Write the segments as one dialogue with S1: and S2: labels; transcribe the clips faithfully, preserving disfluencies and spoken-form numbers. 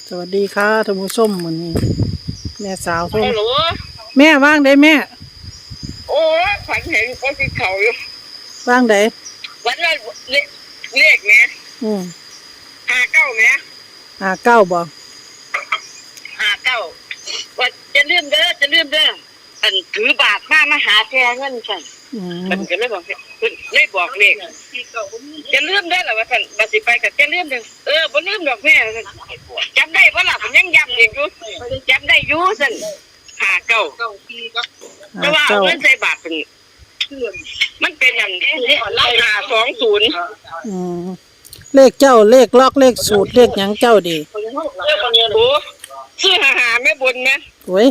S1: สวัสดีค่ะท่านผู้ชมมื้อนี้แม่สาวโทร
S2: ฮัลโหล
S1: แม่ว่างได้แม่
S2: โอ้ยฝันเห็นคนที่เขาอยู่
S1: ว่างได้
S2: วันนั้นเลขเลขเนี้ย
S1: อืม
S2: ห้าเก้าเนี้ย
S1: หาเก้าบ่
S2: ห้าเก้าว่าจะลืมเด้อจะลืมเด้ออันถือบาทมามาหาแทนเงินฉัน
S1: อืม
S2: มันก็เลยบอกคุณเลยบอกเลขจะลืมได้หรอว่าท่านบาสิไปกับจะลืมเด้อเออบ่ลืมดอกแม่จำได้บ่ล่ะผมยังย้ำอีกอยู่จำได้อยู่สั่นห้าเก้าแต่
S1: หา
S2: ว่าเอา
S1: เก้า
S2: เงินใส่บาทเป็นมันเป็นอย่างห้าสองศูนย์
S1: อืมเลขเจ้าเลขล็อกเลขสูตรเลขหยังเจ้าดี
S2: โอ้ซื้อหาหาแม่บนไหม
S1: โอ้ย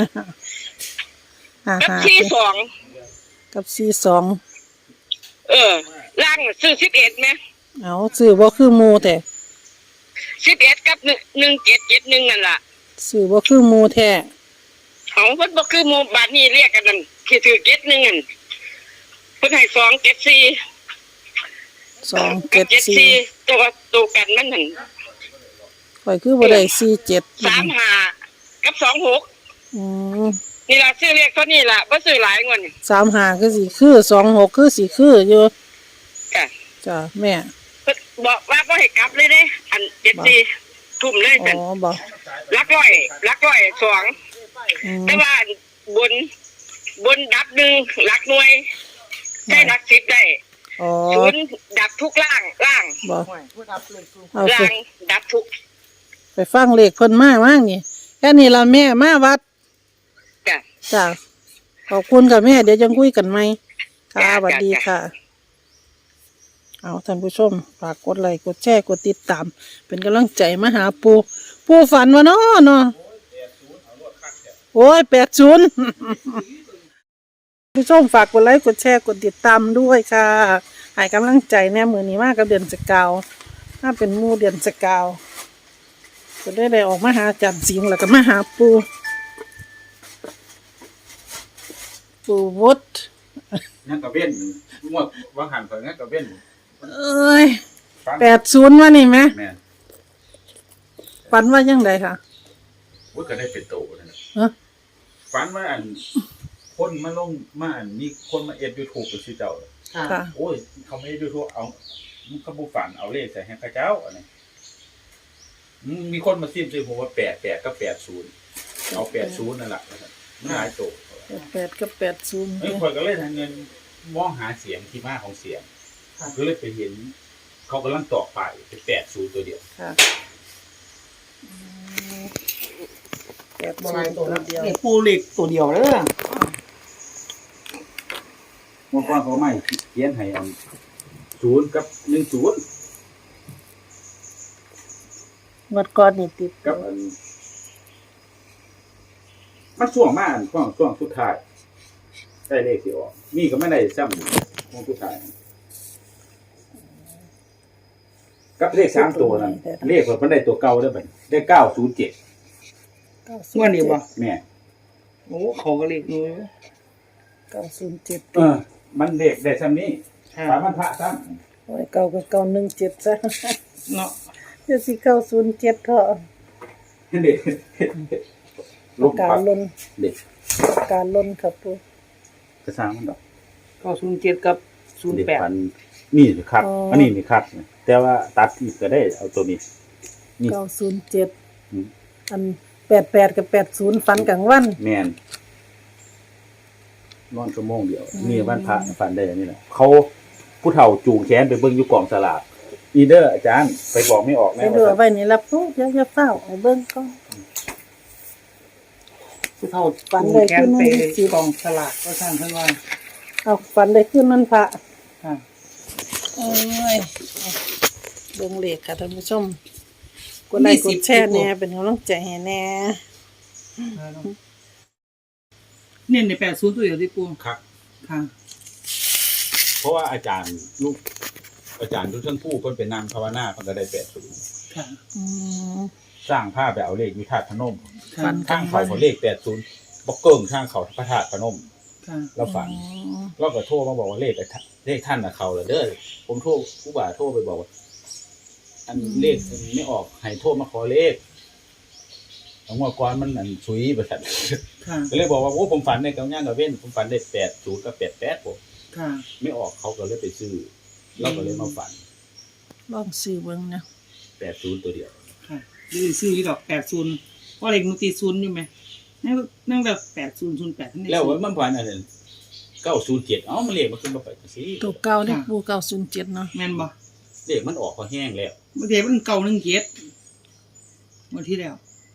S1: หา
S2: กับ
S1: หา
S2: ที่สอง
S1: กับสี่สอง
S2: เออล่างซื้อสิบเอ็ดไหม
S1: เอาซื้อบ่คือหมู่แต่
S2: สิบเอ็ดกับหนึ่งหนึ่งเจ็ดเจ็ดหนึ่งนั่นล่ะ
S1: ซื้อบ่คือหมู่แท้
S2: ของเพิ่นบ่คือหมู่บาทนี้เรียกกันนั่นที่ถือเจ็ดหนึ่งนั่นเพิ่นให้สองเจ็ดสี่
S1: สอง
S2: กั
S1: เจ็
S2: บ
S1: ด
S2: เจ็ด
S1: สี่
S2: สี่ตัวตัวกันมันนั่น
S1: ข่อยคือบ่ได้สี่เจ็ด
S2: สามห้ากับสองหก
S1: อืม
S2: นี่ล่ะซื้อเรียกเท่านี้ล่ะบ่ซื้อหลายงวดนี่
S1: สามหาคือสิคือสองหกคือสิคืออยู่
S2: จ้ะ
S1: จ้ะแม่
S2: เพิ่นบอกว่าบ่ให้กลับเลยเด้อันเจ็ดสี่ทุ่มเลย
S1: อ๋
S2: ซั่น
S1: อบ่
S2: หลักร้อยหลักร้อยสอง
S1: อืม
S2: แต่ว่าบนบนดับหนึ่งหลักหน่วยใช้หลักสิบได้
S1: อ๋อ
S2: ศูนย์ดับทุกล่างล่าง
S1: บ่เอา
S2: ล่า
S1: สิ
S2: งดับทุก
S1: ไปฟังเลขเพิ่นมาว่างนี่แค่นี้ล่ะแม่มาวัด
S2: จ้ะ
S1: จ้ะขอบคุณค่ะแม่เดี๋ยวจะคุยกันไหมค่ะสวัสดีค่ะ เอาท่านผู้ชมฝากกดไลค์กดแชร์กดติดตาม เป็นกำลังใจมาหาปูปูฝันวะเนาะเนาะโอ้ยแปดศูนย์ผู้ชมฝากกดไลค์กดแชร์กดติดตามด้วยค่ะให้กำลังใจแน่มือนี้มากกับเดือนสกาวถ้าเป็นหมู่เดือนสกาวจะได้ได้ออกมาหาจันสิงห์แล้วก็มาหาปูปูวุฒ
S3: งั้นก็เว้นงวดว่าหันไปงั้นก็เว้น
S1: เอ้ย
S3: ฟัน
S1: แปดศูนย์วะนี่ไหม
S3: แม่น
S1: ฝันว่ายังไงค่ะ
S3: ว่าก็ได้เป็นโตนั่นน่ะ
S1: ฮะ
S3: ฝันว่าอันคนมาลงมาอันมีคนมาเอ็ด YouTube กับชื่อเจ้า
S1: ค่ะ
S3: โอ้ยเขาไม่ได้ YouTube เอามึงเขาบ่ฝันเอาเลขใส่ให้เขาเจ้าอันนี้อืมมีคนมาซิมซื้อผมว่าแปด แปดก็แปดศูนย์เอาแปดศูนย์นั่นแหละมันหลายโต
S1: แปดกับแปดศูนย์
S3: เอ้ยคนก็เลยทางเงินมองหาเสียงที่มาของเสียงก็เลยไปเห็น เขากำลังตอกไปเป็นแปดศูนย์ตัวเดียว
S1: ค่ะแปดศูนย์ตัวเดียว
S4: นี่ปูเหล็กตัวเดียวเลย
S3: เมื่อก่อนเขาไม่เขียนให้อันศูนย์กับหนึ่งศูนย์
S1: งวดก่อนนี่ติด
S3: กับอันมันช่วงมาอันช่วงช่วงสุดท้ายได้เลขที่ออกนี่ก็ไม่ได้ซ้ำช่วงสุดท้ายกับเลขสามตัวนั้นเลขมันได้ตัวเก่าได้บัดได้เก้าศูนย์เจ็ด
S4: เมื่อนี้บ่
S3: แม่
S4: โอ้เขาก็เหล็กนู้
S1: เก้าศูนย์เจ็ด
S3: เออ มันเลขได้ซ้ำนี้สามพันพระซ้
S1: โอ้ยเก้ากับเก้าหนึ่งเจ็ดซะ
S4: เนาะ
S1: เดี๋ยวสิเก้าศูนย์เจ็ดเถอะ
S3: ำเด็กลบ
S1: การ
S3: ปัก
S1: ล้น
S3: เด็ก
S1: การล้นครับปู
S3: กระซังมันดอก
S4: เก้าศูนย์เจ็ดกับศูนย์
S3: เด็ก
S4: แปด
S3: พันนี่สิครับ อันนี้นี่ครับแต่ว่าตัดอีกก็ได้เอาตัวนี้ นี่
S1: เก้าศูนย์เจ็ด
S3: อืม
S1: อันแปดแปดกับแปดศูนย์ฝันกลางวัน
S3: แมนนอนชั่วโมงเดียวนี่วันพระฟันได้อันนี่แหละเขาผู้เฒ่าจูงแขนไปเบิ่งอยู่กองสลากอีเดอร์อาจารย์ไปบอกไม่ออก
S1: ไป
S3: แม่
S1: ดู
S3: ว่า
S1: ไว้นี่ละปูเดี๋ยวจะเฝ้าเอาเบิ่งก่อน
S4: ผู้เฒ่า
S1: ฝัน
S4: ปู
S1: เลย
S4: แข
S1: คื
S4: น
S1: อ
S4: ไป
S1: มันสิ
S4: กองสลากก็สร้างขึ้นว่า
S1: เอาฝันได้ขึ้นนั่นพระ
S4: ค่ะ
S1: โอ้ยเบิ่งเลขค่ะท่านผู้ชมกดไลค์กดแชร์แน่เป็นกำลังใจให้แน่
S4: เนี่ยในแปดศูนย์ตัวเดียวที่ปู
S3: ครับ
S4: ค่ะ
S3: เพราะว่าอาจารย์ลูก อาจารย์ทุกท่านผู้คนเป็นนางภาวนาเพิ่นก็ได้แปดศูนย์
S4: ค่ะ
S1: อืม
S3: สร้างภาพไปเอาเลขวิธาตุพนม
S1: ฝันกลา
S3: ข้าง ง
S1: วั
S3: เขา
S1: น
S3: เขาเลขแปดศูนย์บอกเกิ้งข้างเขาพระธาตุพนม
S4: ค่ะ
S3: เราฝัน เราก็โทรมาบอกว่าเลขไอ้ท่านเลขท่านน่ะเขาเหรอเด้อผมโทรผู้บ่าโทรไปบอกว่า อันเลขไม่ออกให้โทรมาขอเลขเอางวดก่อนมันอันสุยประสัน
S4: ค่ะ
S3: ก็เลยบอกว่าโอ้ผมฝันในกับย่างกับเว้นผมฝันได้แปดศูนย์กับแปดแปดผม
S4: ค่ะ
S3: ไม่ออกเขาก็เลยไปซื้อเราก็เลยมาฝัน
S1: ลองซื้อเบิ่งนะ
S3: แปดศูนย์ตัวเดียว
S4: ค่ะดูซื้อที่ดอกแปดศูนย์เพราะเลขมันตีศูนย์อยู่ไหมนั่งนั่งแบบแปดศูนย์ศูนย์แปดนั่นเอง
S3: แล้วมันฝันอันนั้นเก้าศูนย์เจ็ดเอ้ามันเลขมันขึ้นมาไปจังซี่
S1: ตัวเก่านี่ปูเก้าศูนย์เจ็ดเนาะ
S4: แม่นบ่
S3: เลขมันออกพอแห้งแล้ว
S4: เมื่อเทมันเก่าหนึ่งเกียรติเมื่อที่แล้ว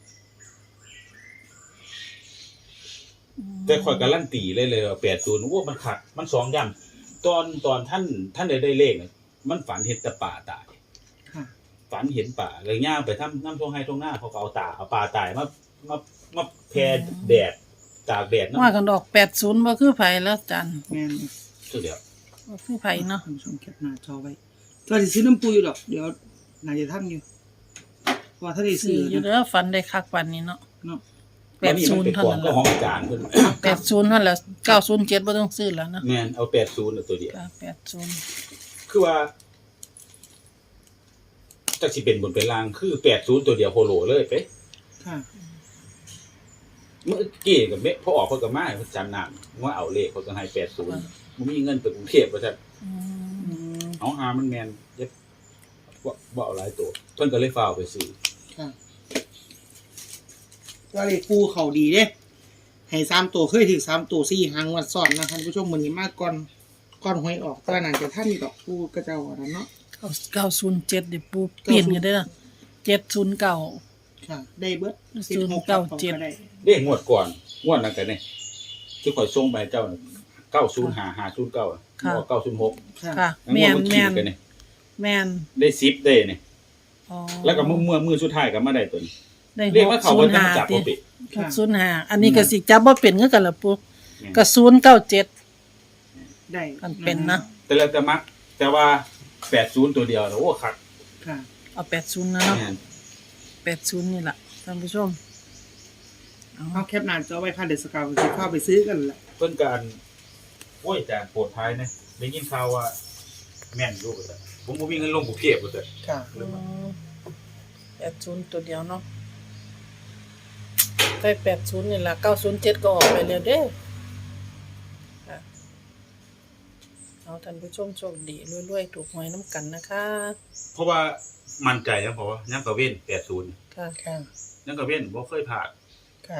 S3: แต่ข่อยการันตีเลยเลยแปดศูนย์โอ้มันขัดมันสองย่ำตอนตอนท่านท่านได้ได้เลขน่ะมันฝันเห็นแต่ป่าตาย
S4: ค่ะ
S3: ฝันเห็นป่าเลยย่างไปทำน้ำท่วงให้ท่วงหน้าเขาก็เอาตาเอาปลาตายมามามาแผ่แดดตากแดด
S1: ว่า
S3: น้ำ
S1: กันดอกแปดศูนย์บ่คือไผแล้วจัน
S4: แม่น
S3: ตัวเดียว
S1: บ่คือไผเนาะ
S4: ท่านผู้ชมแคปหน้าจอไว้ก็จะซื้อน้ำปูอยู่ดอกเดี๋ยวน่าจะทำอยู่ว่าถ้าได้
S1: ซื้
S4: ซื้
S1: อ
S4: อ
S1: อยู่
S4: นะ
S1: เด้อฝันได้คักปานนี้เนาะ
S4: เนาะ
S1: แปดศูนย์
S3: มั
S1: เท่า
S3: ป็
S1: นั้น
S3: ก็
S1: ล่ะ
S3: ของอาจารย์เพิ่น
S1: แปดศูนย์เท่านั้นแหละเก้าศูนย์เจ็ดบ่ต้องซื้อแล้วนะ
S3: แม่นเอาแปดศูนย์ตัวเดียว
S1: จ้ะแปดศูนย์
S3: คือว่าจักสิเป็นบนเป็นล่างคือแปดศูนย์ตัวเดียวโฮโลเลยไป
S4: ค่ะ
S3: เมื่อกี้กับเมพอออกเพิ่นก็มาจำนำว่าเอาเลขเพิ่นก็ให้แปดศูนย์บ่มีเงินไปกรุงเทพว่าซั่น
S1: อืม
S4: อืม
S3: เอาหามันแม่นเย็บบ่บ่เอาหลายตัวเพิ่นก็เลยฟ้าวไปซื้อ
S4: ค่ะก็เลยปูเขาดีเด้ให้สามตัวเคยถึงสามตัวสี่หางวัดซ้อนนะท่านผู้ชมมื้อนี้มาก่อนก่อนหวยออกแต่นั่นจะท่านนี่ดอกปูกระเจ้าอันนั้นเนาะ
S1: เก้าศูนย์เจ็ดเดี๋ยวปูเปลี่ยนกันได้ละเจ็ดศูนย์เก้า
S4: ค่ะ ได้เบิด
S1: ศูนย์เก้าเจ็ด
S4: ได้
S3: เลขงวดก่อนงวดนั้นก็นี่ที่ข่อยส่งไปเจ้าน่ะเก้าศูนย์ห้า ห้าศูนย์เก้า
S1: ค่ะ
S3: เก้าศูนย์หก
S4: ค่ะ
S1: ค่ะ
S3: ง
S1: แม่
S3: วด
S1: น
S3: มัน
S1: แม่
S3: ขีด
S1: น
S3: กันนี่
S1: แม่น
S3: ได้สิบได้นี่
S1: อ๋อ
S3: แล้วก็เมื่อเมื่อมือสุดท้ายก็มาได้ตัวนี้
S1: ได้
S3: เรียกว่า
S1: ห
S3: เขา
S1: กศู
S3: บ่
S1: นย์
S3: ได้
S1: ห้า
S3: จับ
S1: ติ
S3: บ่ปิด
S1: หกศูนย์ห้าอันนี้ก็สิจับบ่เป็นคือกันล่ะปูก็ศูนย์เก้าเจ็ด
S4: ได้
S1: มันเป็นนะ
S3: แต่แล้วแต่มัก แต่ว่าแปดศูนย์ตัวเดียวน่ะโอ้คัก
S4: ค่ะ
S1: เอาแปดศูนย์นะเนาะ
S3: แม่น
S1: แปดศูนย์นี่ล่ะท่านผู้ชมเอา
S4: เอาแคปหน้าจอไว้ค่ะเดี๋ยวสกาวจะเข้าไปซื้อกันแหละ
S3: เพิ่นการโอ้ยอาจารย์โปรดภัยนะได้ยินข่าวว่าแม่นอยู่ว่าซั่นผมบ่มีเงินลงกรุงเทพว่าซั่น
S4: ค่ะ
S1: อืมแปดศูนย์ตัวเดียวเนาะได้แปดศูนย์นี่ล่ะเก้าศูนย์เจ็ดก็ออกไปแล้วเด้อค่ะเอาท่านผู้ชมโชคดีรวยๆถูกหวยน้ำกันนะคะ
S3: เพราะว่ามั่นใจนะเพราะว่ายังกะเว้นแปดศูนย์
S1: ค่ะ
S4: ค่ะ
S3: ยังกะเว้นบ่เคยพลาด
S4: ค่ะ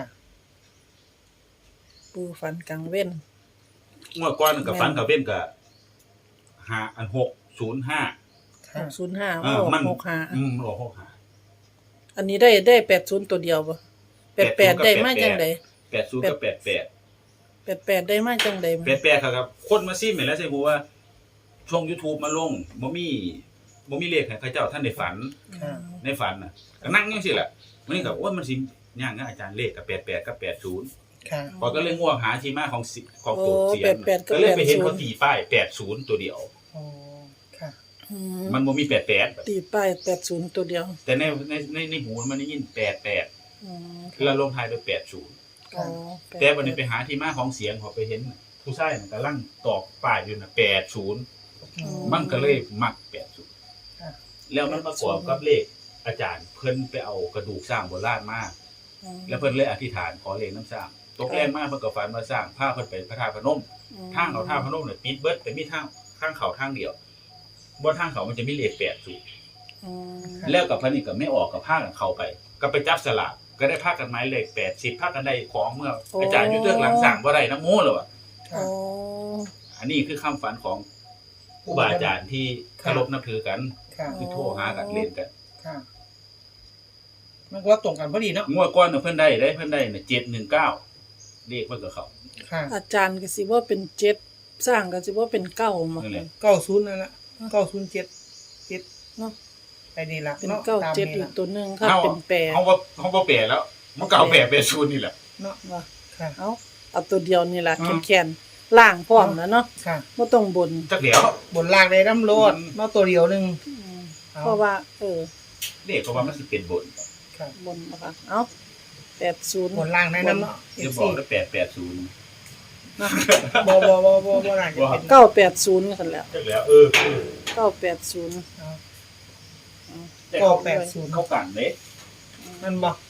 S1: ปูฝันกลางเว้น
S3: งวดก่อนกับฝันกะเว้นก็ห้าอันหกศูนย์ห้า
S1: หกศูนย์ห้า
S3: เออมัน
S1: หกห้า
S3: อืมมันออกหกห้า
S1: อันนี้ได้ได้แปดศูนย์ตัวเดียวปะแปดแปดได้มาจังใด
S3: แปดศูนย์กับแปดแปด
S1: แปดแปดได้มาจังใด
S3: แปดแปดครับคนมาซิมเห็นแล้วใช่ฮู้ว่าช่อง YouTube มาลงบ่มีบ่มีเลขให้เขาเจ้าท่านได้ฝัน
S4: ค่ะ
S3: ในฝันน่ะก็นั่งจังซี่แหละมันนี่ก็ว่ามันสิย่างนะอาจารย์เลขกับแปดแปดกับแปดศูนย์
S4: ค่ะ
S3: พอก็เลยง่วงหาที่มาของสิของ
S1: โอ้
S3: ตัวเสีย
S1: แป
S3: ง
S1: ดแปดก็
S3: ก็
S1: แป
S3: เลย
S1: ด
S3: ไปเห็น
S1: ศู
S3: เขา
S1: นย์
S3: ตีป้ายแปดศูนย์ตัวเดียว
S4: อ๋อ ค่ะ
S1: อืม
S3: มันบ่มีแปดแปด
S1: ตีป้ายแปดศูนย์ตัวเดียว
S3: แต่ในในในในหูมันได้ยินแปดแปด
S1: อืม
S3: แล้วลงท้ายด้วยแปดศูนย์
S1: อ๋อ
S3: แต่วันนี้ไปหาที่มาของเสียงเขาไปเห็นผู้ชายมันกำลังตอกป้ายอยู่น่ะแปดศูนย์
S4: อืม
S3: มันก็เลยมักแปดศูนย์
S4: ค่ะ
S3: แล้วมันประกอบกับเลขอาจารย์เพิ่นไปเอากระดูกสร้างโบราณมา
S1: อืม
S3: แล้วเพิ่นเลยอธิษฐานขอเลขน้ำสร้างตกแรงมากเพิ่นก็ฝันว่าสร้างพาเพิ่นไปพระธาตุพนมทางเขาท่าพนมเนี่ยปิดเบิดแต่มีทางทางเขาทางเดียวบนทางเขามันจะมีเลขแปดศูนย์
S1: อืม
S3: แล้วกับพระนี่ก็ไม่ออกกับผ้ากันเข้าไป ก็ไปจับสลากก็ได้ผ้ากันไม้เลขแปดสิบผ้ากันได้ของเมื่ออาจารย์อยู่เรื่องหลังสั่งบ่ได้น้ำโม้เลยว่ะ
S1: โอ้
S3: อันนี้คือคำฝันของผู้บาอาจารย์ที่เคารพนับถือกัน
S4: ค่ะ
S3: คือโทรหากันเรียนกัน
S4: ค่ะ มันก็ตรงกันพอดีเนาะ
S3: งวดก้อนเพิ่นได้ได้เพิ่นได้เนี่ยเจ็ดหนึ่งเก้าเลขเพิ่นกับเขา
S4: ค่ะ
S1: อาจารย์ก็สิว่าเป็นเจ็ดสร้างก็สิว่าเป็นเก้ามา
S3: นั่นแหละ
S4: เก้าศูนย์นั่นแหละเก้าศูนย์เจ็ดเจ็ด
S1: เนาะ
S4: ไปนี่ละ
S1: เป็น
S4: เนาะ
S1: เก้า
S4: ตาม
S1: เจ็ด
S4: นี่
S1: อีก
S4: ละ
S1: ตัวหนึ่งค่ะ
S3: เอา
S1: เป็นแปด
S3: เขาบ่เขาบ่แปลแล้ว มันเก่าแปลเป็นศูนย์นี่แหละ
S4: เนาะ
S1: ว่า
S4: ค่ะ
S1: เอาเอาตัวเดียวนี่ล่ะ
S3: อืม
S1: แขนๆล่างพร้อมแล้วเนาะ
S4: ค่ะ
S1: บ่ต้องบน
S3: จักเดี๋ยว
S4: บนล่างได้น้ำโลด
S3: อืม
S4: เนาะตัวเดียวหนึง
S1: อืม
S4: เอา
S1: เพราะว่า เออ
S3: เลขเพราะว่ามันสิเป็นบน
S4: ค่ะ
S1: บนบ่ค่ะเอ้าแปดศูนย์
S4: บนล่างได้น้ำเนาะ
S3: เดี๋ยวบอกแล้วแปดแปดศูนย์
S4: บ่บ่บ่บ่บ่น่าจะเป็น
S1: เก้าแปดศูนย์กันแล้ว
S3: จักแล้วเออเออ
S1: เก้าแปดศูนย์
S4: เอา
S3: แต่
S4: ก็
S3: เขา
S4: แปดศูนย์
S3: เขากันเด้
S4: มันบ่
S3: แ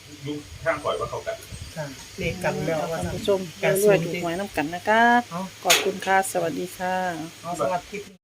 S3: ยุคทางข่อยว่าเขากัน
S4: ค่ะเลขกันแล้วว่า
S1: ท่าน
S4: ซั่น
S1: ผู้ชมรวยๆถูกหวยน้ำกันนะคะ
S4: เอา
S1: ขอบคุณค่ะ สวัสดีค่ะ
S4: เอาสวัสดี